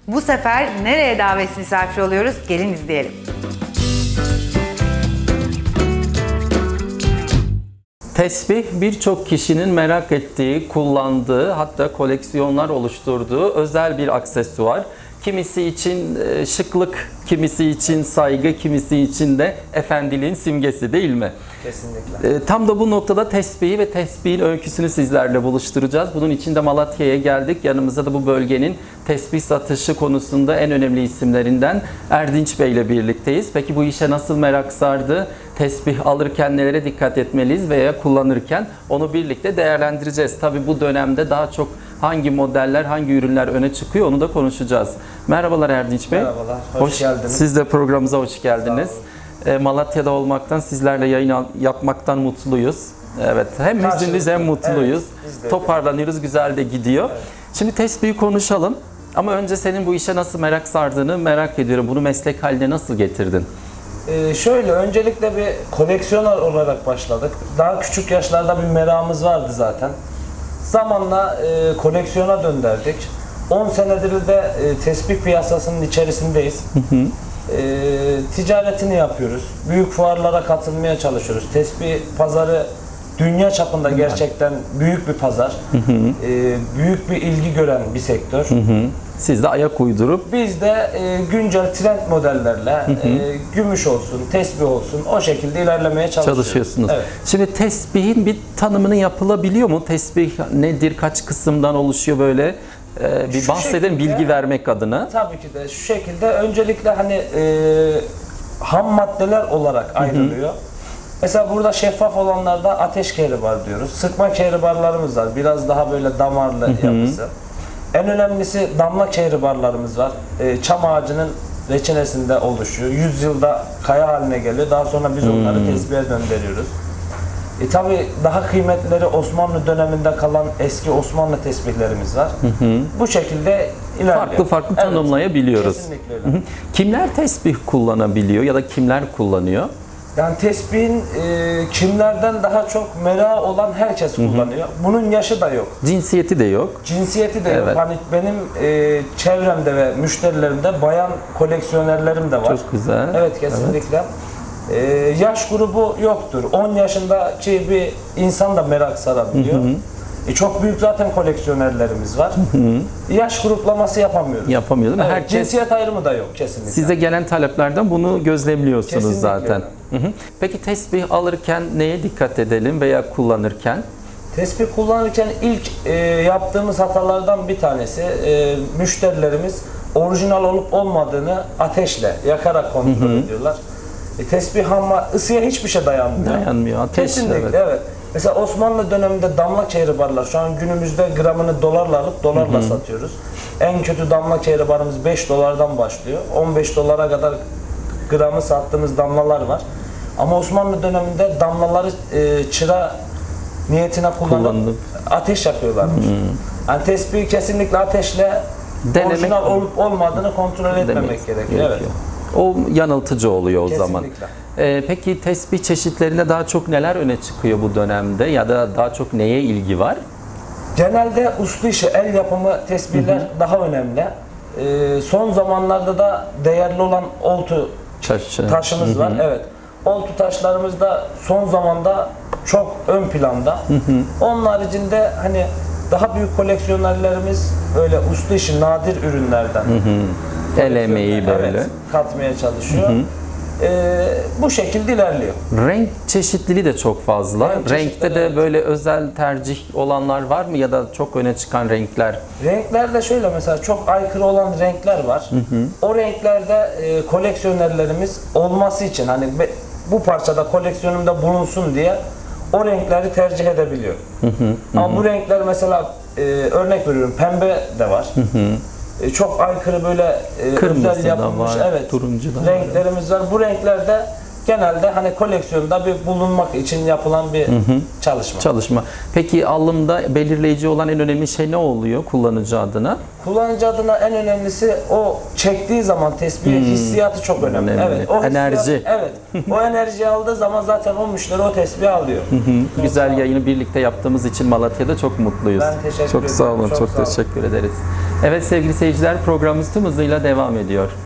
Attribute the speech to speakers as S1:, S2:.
S1: Bu sefer nereye davet misafir oluyoruz? Gelin izleyelim.
S2: Tesbih birçok kişinin merak ettiği, kullandığı, hatta koleksiyonlar oluşturduğu özel bir aksesuar. Kimisi için şıklık, kimisi için saygı, kimisi için de efendiliğin simgesi, değil mi?
S3: Kesinlikle.
S2: Tam da bu noktada tesbihi ve tesbihin öyküsünü sizlerle buluşturacağız. Bunun için de Malatya'ya geldik. Yanımızda da bu bölgenin tesbih satışı konusunda en önemli isimlerinden Erdinç Bey ile birlikteyiz. Peki bu işe nasıl merak sardı? Tesbih alırken nelere dikkat etmeliyiz veya kullanırken onu birlikte değerlendireceğiz. Tabii bu dönemde daha çok hangi modeller, hangi ürünler öne çıkıyor onu da konuşacağız. Merhabalar Erdinç Bey.
S3: Merhabalar, hoş geldiniz.
S2: Siz de programımıza hoş geldiniz. Malatya'da olmaktan, sizlerle yayın yapmaktan mutluyuz. Evet, hem hüzünlüyüz hem mutluyuz.
S3: Evet,
S2: toparlanıyoruz, güzel de gidiyor. Evet. Şimdi tesbihi konuşalım. Ama önce senin bu işe nasıl merak sardığını merak ediyorum. Bunu meslek haline nasıl getirdin?
S3: Şöyle, öncelikle bir koleksiyoner olarak başladık. Daha küçük yaşlarda bir merakımız vardı zaten. Zamanla koleksiyona döndürdük. 10 senedir de tesbih piyasasının içerisindeyiz. Ticaretini yapıyoruz. Büyük fuarlara katılmaya çalışıyoruz. Tesbih pazarı dünya çapında gerçekten büyük bir pazar. Büyük bir ilgi gören bir sektör.
S2: Siz de ayak uydurup
S3: biz de güncel trend modellerle gümüş olsun, tesbih olsun o şekilde ilerlemeye
S2: çalışıyorsunuz.
S3: Evet.
S2: Şimdi tesbihin bir tanımını yapılabiliyor mu? Tesbih nedir? Kaç kısımdan oluşuyor böyle? Bir bahsedelim bilgi vermek adına.
S3: Tabii ki de şu şekilde öncelikle hani ham maddeler olarak ayrılıyor. Mesela burada şeffaf olanlarda ateş kehribar diyoruz. Sıkma kehribarlarımız var. Biraz daha böyle damarlı yapısı. En önemlisi damla kehribarlarımız var. Çam ağacının reçinesinde oluşuyor. 100 yılda kaya haline geliyor. Daha sonra biz onları tesbihe döndürüyoruz. Tabii daha kıymetleri Osmanlı döneminde kalan eski Osmanlı tesbihlerimiz var. Bu şekilde ilerliyor.
S2: Farklı tanımlayabiliyoruz.
S3: Kesinlikle öyle.
S2: Kimler tesbih kullanabiliyor ya da kimler kullanıyor?
S3: Yani tesbihin kimlerden daha çok merakı olan herkes kullanıyor. Bunun yaşı da yok.
S2: Cinsiyeti de yok.
S3: Cinsiyeti de yok.
S2: Evet.
S3: Hani benim çevremde ve müşterilerimde bayan koleksiyonerlerim de var.
S2: Çok güzel.
S3: Evet, kesinlikle. Yaş grubu yoktur. 10 yaşındaki bir insan da merak sarabiliyor. Çok büyük zaten koleksiyonerlerimiz var. Yaş gruplaması yapamıyoruz.
S2: Yapamıyor değil mi?
S3: Evet,
S2: Herkes,
S3: cinsiyet ayrımı da yok kesinlikle.
S2: size gelen taleplerden bunu gözlemliyorsunuz
S3: Kesinlikle
S2: zaten. Peki tesbih alırken neye dikkat edelim veya kullanırken?
S3: Tesbih kullanırken ilk yaptığımız hatalardan bir tanesi müşterilerimiz orijinal olup olmadığını ateşle yakarak kontrol ediyorlar. Tesbih ama ısıya hiçbir şey dayanmıyor.
S2: Dayanmıyor. Ateş.
S3: Kesinlikle evet. Mesela Osmanlı döneminde damla kehribarlar şu an günümüzde gramını dolarla alıp dolarla satıyoruz. En kötü damla kehribarımız 5 dolardan başlıyor. 15 dolara kadar gramı sattığımız damlalar var. Ama Osmanlı döneminde damlaları çıra niyetine kullanıp ateş yakıyorlarmış. Yani tesbihi kesinlikle ateşle orijinal olup olmadığını kontrol etmemek gerekiyor. Evet.
S2: O yanıltıcı oluyor o
S3: Kesinlikle.
S2: zaman. Peki tesbih çeşitlerinde daha çok neler öne çıkıyor bu dönemde ya da daha çok neye ilgi var?
S3: Genelde uslu işi, el yapımı tesbihler daha önemli. Son zamanlarda da değerli olan oltu taşımız var. Evet. Oltu taşlarımız da son zamanda çok ön planda. Onun haricinde hani daha büyük koleksiyonerlerimiz öyle uslu işi nadir ürünlerden
S2: el emeği böyle
S3: katmaya çalışıyor. Bu şekilde ilerliyor.
S2: Renk çeşitliliği de çok fazla. Renkte de böyle özel tercih olanlar var mı ya da çok öne çıkan renkler?
S3: Renklerde şöyle mesela çok aykırı olan renkler var. O renklerde koleksiyonerlerimiz olması için hani bu parçada koleksiyonumda bulunsun diye o renkleri tercih edebiliyor. Ama bu renkler mesela örnek veriyorum pembe de var. Çok aykırı böyle özel yapılmış
S2: var, turuncu da
S3: renklerimiz var. Bu renklerde genelde hani koleksiyonda bir bulunmak için yapılan bir çalışma.
S2: Peki alımda belirleyici olan en önemli şey ne oluyor kullanıcı adına?
S3: Kullanıcı adına en önemlisi o çektiği zaman tesbihi hissiyatı çok önemli.
S2: Önemli.
S3: Evet, o
S2: Enerji.
S3: hissiyat, evet. O enerjiyi aldığı zaman zaten o müşteri o tesbihi alıyor.
S2: Güzel yayını birlikte yaptığımız için Malatya'da çok mutluyuz.
S3: Ben teşekkür
S2: Çok sağ
S3: ederim.
S2: olun,
S3: Çok
S2: çok
S3: sağ olun.
S2: teşekkür ederiz. Evet sevgili seyirciler, programımız tüm hızıyla devam ediyor.